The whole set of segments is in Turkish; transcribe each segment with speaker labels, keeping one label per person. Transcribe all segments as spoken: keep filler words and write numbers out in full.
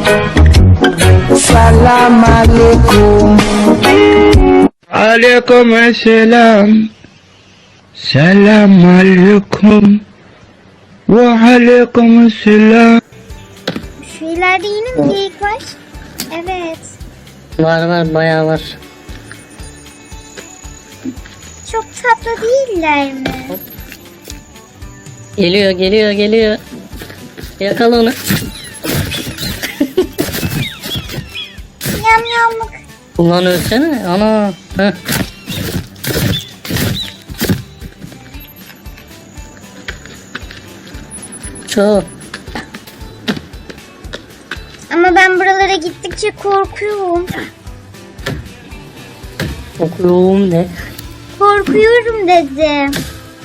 Speaker 1: Salam alaikum.
Speaker 2: Aleyküm selam. Selam aleyküm. Ve aleyküm selam.
Speaker 3: Şu ileride yine mi geyik var? Evet.
Speaker 4: Var var bayağı var.
Speaker 3: Çok tatlı değiller mi?
Speaker 4: Geliyor geliyor geliyor. Yakala onu.
Speaker 3: Yam yamlık.
Speaker 4: Ulan ölsene ana. Heh. Çok.
Speaker 3: Ama ben buralara gittikçe korkuyorum.
Speaker 4: Okuyorum ne?
Speaker 3: Korkuyorum dedim.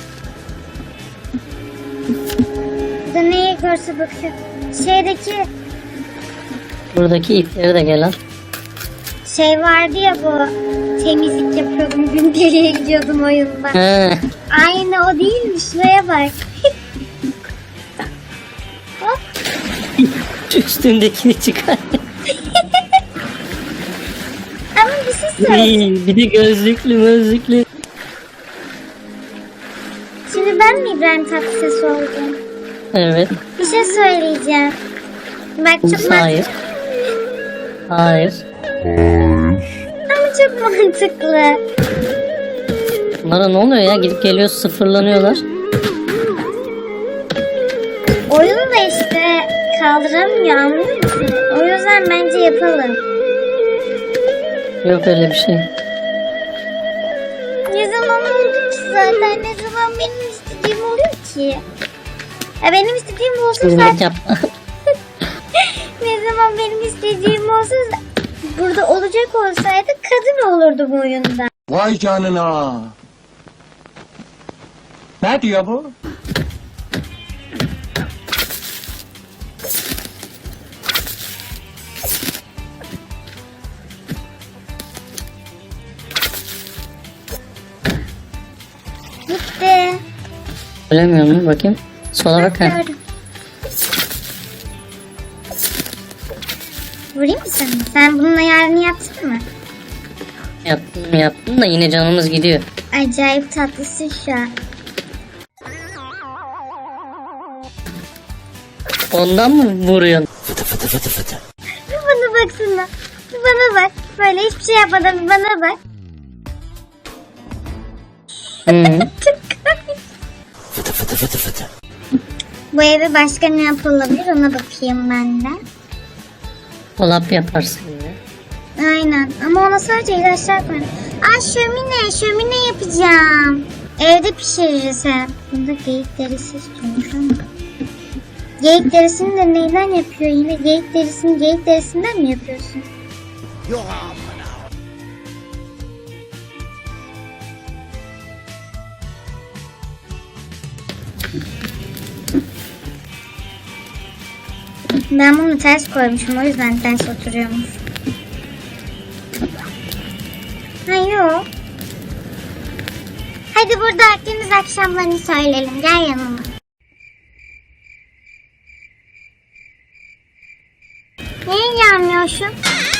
Speaker 3: Da neye görse bakıyor. Şeydeki
Speaker 4: Buradaki ipleri de gel al.
Speaker 3: şey vardı ya, bu temizlik yapıyordum. Gündeliğe gidiyordum oyunda.
Speaker 4: He.
Speaker 3: Aynı o değil mi? Şuraya bak. Hop.
Speaker 4: Üstündekini çıkar.
Speaker 3: Ama bir şey söyleyeceğim.
Speaker 4: Bir de gözlüklü gözlüklü.
Speaker 3: Şimdi ben mi İbrahim Tatlıses oldum?
Speaker 4: Evet.
Speaker 3: Bir şey söyleyeceğim. Bak çok
Speaker 4: Hayır. Hayır.
Speaker 3: Ama çok mantıklı.
Speaker 4: Bunlara ne oluyor ya? Gidip geliyor sıfırlanıyorlar.
Speaker 3: Oyun da işte kaldıramıyor, anlıyor musun? O yüzden bence yapalım.
Speaker 4: Yok öyle bir şey.
Speaker 3: Ne zaman oldu ki zaten? Ne zaman benim istediğim oluyor ki? Ya benim istediğim olsa
Speaker 4: Hizmet
Speaker 3: zaten...
Speaker 4: yap.
Speaker 3: Ne zaman benim istediğim olsa burada olacak olsaydı kadın olurdu bu oyunda.
Speaker 1: Vay canına. Ne diyor bu?
Speaker 3: Gitti.
Speaker 4: Ölemiyor mu? Bakayım. Sola bak. Ha.
Speaker 3: Gördüm. Vurayım mı sana? Sen bunun ayarını yaptın mı?
Speaker 4: Yaptım yaptım da yine canımız gidiyor.
Speaker 3: Acayip tatlısın şu an.
Speaker 4: Ondan mı vuruyorsun?
Speaker 3: Bir bana baksana. Bir bana bak. Böyle hiçbir şey yapmadan bir bana bak.
Speaker 4: Hı.
Speaker 3: Çok komik. Bu eve başka ne yapılabilir ona bakayım ben de.
Speaker 4: Dolap yaparsın ya.
Speaker 3: Aynen ama ona sadece ilaçlar koyalım. Aa şömine, şömine yapacağım. Evde pişiririz hem. Bunda geyik derisi istiyormuş ama. Geyik derisini de neyden yapıyor yine? Geyik derisini geyik derisinden mi yapıyorsun? Ben bunu ters koymuşum, o yüzden ters oturuyormuş. Ha yok. Hadi burada Akdeniz akşamlarını söyleyelim. Gel yanıma. Niye gelmiyorsun?